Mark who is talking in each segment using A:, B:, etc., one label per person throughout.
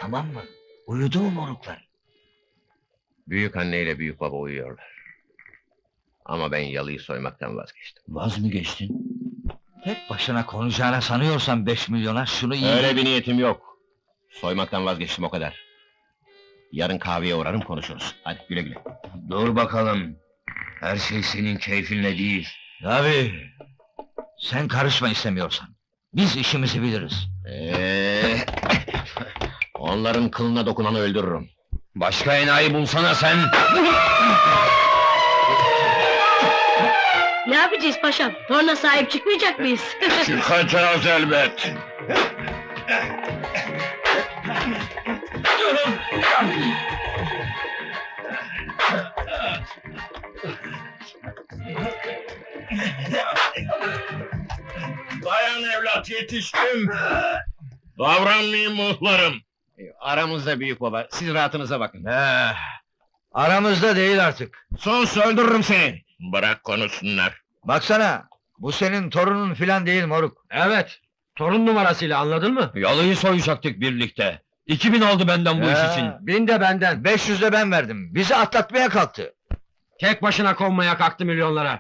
A: tamam mı? Uyudu mu moruklar?
B: Büyük anne ile büyük baba uyuyorlar. Ama ben yalıyı soymaktan vazgeçtim.
A: Vaz mı geçtin? Tek başına konuşacağına sanıyorsan 5 milyona şunu iyi...
B: Öyle bir niyetim yok. Soymaktan vazgeçtim, o kadar. Yarın kahveye uğrarım, konuşuruz. Hadi güle güle.
A: Dur bakalım. Her şey senin keyfinle değil. Tabii. Sen karışma istemiyorsan. Biz işimizi biliriz.
B: Onların kılına dokunanı öldürürüm.
A: Başka enayi bulsana sen!
C: Ne yapacağız paşam? Torna sahip çıkmayacak mıyız?
B: Çıkacağız elbet!
D: Dayan evlat, yetiştim! Davranmayayım muhlarım!
B: Aramızda büyük baba, siz rahatınıza bakın.
A: Aramızda değil artık.
B: Sus, öldürürüm seni!
D: Bırak konuşsunlar!
A: Baksana, bu senin torunun filan değil moruk.
E: Evet, torun numarasıyla, anladın mı? Yalıyı soyacaktık birlikte. 2000 aldı benden bu iş için.
A: 1000 de benden, 500 de ben verdim. Bizi atlatmaya kalktı.
E: Tek başına konmaya kalktı milyonlara.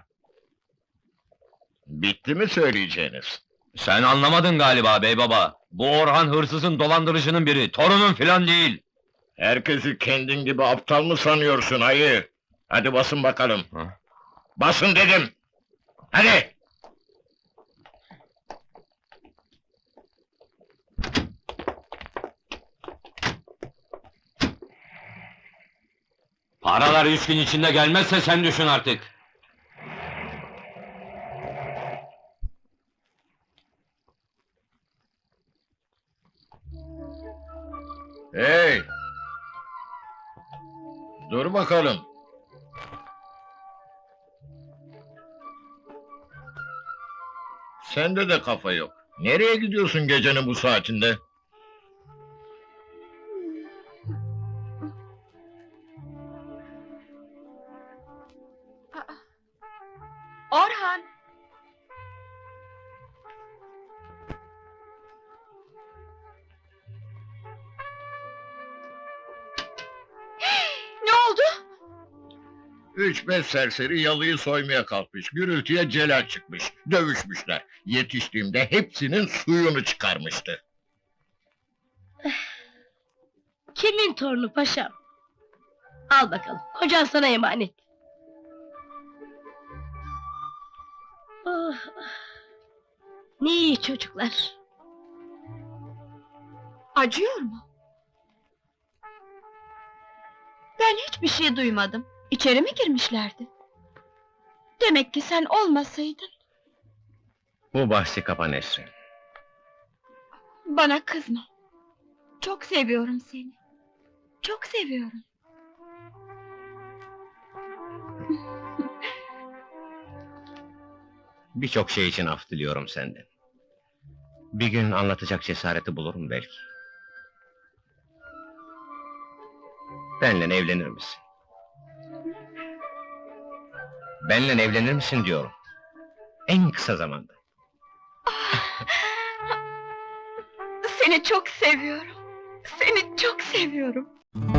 D: Bitti mi söyleyeceğiniz?
E: Sen anlamadın galiba bey baba. Bu Orhan hırsızın, dolandırıcının biri, torunun filan değil.
D: Herkesi kendin gibi aptal mı sanıyorsun ayı? Hadi basın bakalım!
E: Ha?
D: Basın dedim! Hadi!
E: Paralar 3 gün içinde gelmezse sen düşün artık.
D: Hey! Dur bakalım! Sende de kafa yok. Nereye gidiyorsun gecenin bu saatinde?
C: Orhan! Ne oldu?
D: 3-5 serseri yalıyı soymaya kalkmış, gürültüye celal çıkmış, dövüşmüşler. Yetiştiğimde hepsinin suyunu çıkarmıştı.
C: Kimin torunu paşam? Al bakalım, kocan sana emanet. Oh, ne iyi çocuklar.
F: Acıyor mu? Ben hiçbir şey duymadım. İçeri mi girmişlerdi? Demek ki sen olmasaydın.
B: Bu bahsi kapa Nesrin.
F: Bana kızma. Çok seviyorum seni. Çok seviyorum.
B: Birçok şey için af diliyorum senden. Bir gün anlatacak cesareti bulurum belki. Benle evlenir misin? Benle evlenir misin diyorum. En kısa zamanda.
F: Seni çok seviyorum. Seni çok seviyorum.